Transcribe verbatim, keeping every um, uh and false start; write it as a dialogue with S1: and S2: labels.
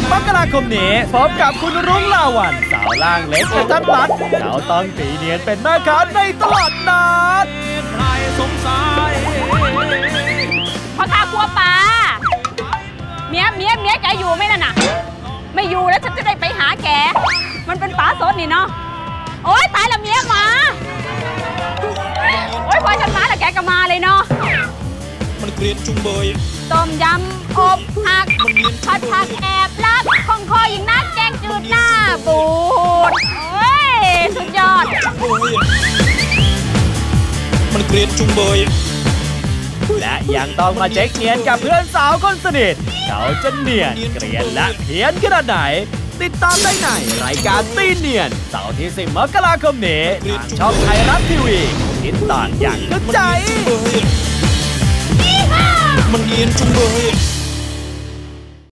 S1: มกราคมนี้พบกับคุณรุ่งลาวันสาวล่างเล็กกระทัดรัดเขาต้องตีเนียนเป็นแม่ค้าในตลาดนัด
S2: ใครสงสัย
S3: พ่อค้าครัวปลาเมียเมียเมียแกอยู่ไหมนั่นน่ะไม่อยู่แล้วฉันจะได้ไปหาแกมันเป็นปลาสดนี่เนาะโอ๊ยตายละเมียมาโอ๊ยพอฉันมาแล้วแกก็มาเลยเนาะ
S2: มันเกลียนจุงเบย
S3: ต้มยำอบผักผัดผักแอบลับคงคอยิงนักแกงจืดหน้าบูดโอ้ยสุดยอด
S2: มันเกลียนจุงเบย
S1: และยังต้องมาเช็คเนียนกับเพื่อนสาวคนสนิทเขาจะเนียนเกลียนและเพี้ยนขนาดไหนติดตามได้ในรายการตีเนียนเสาร์ที่สิบมกราคมนี้ทางช่องไทยรัฐทีวีติดตามอย่างกระจาย
S2: มันเกลียนจุงเบย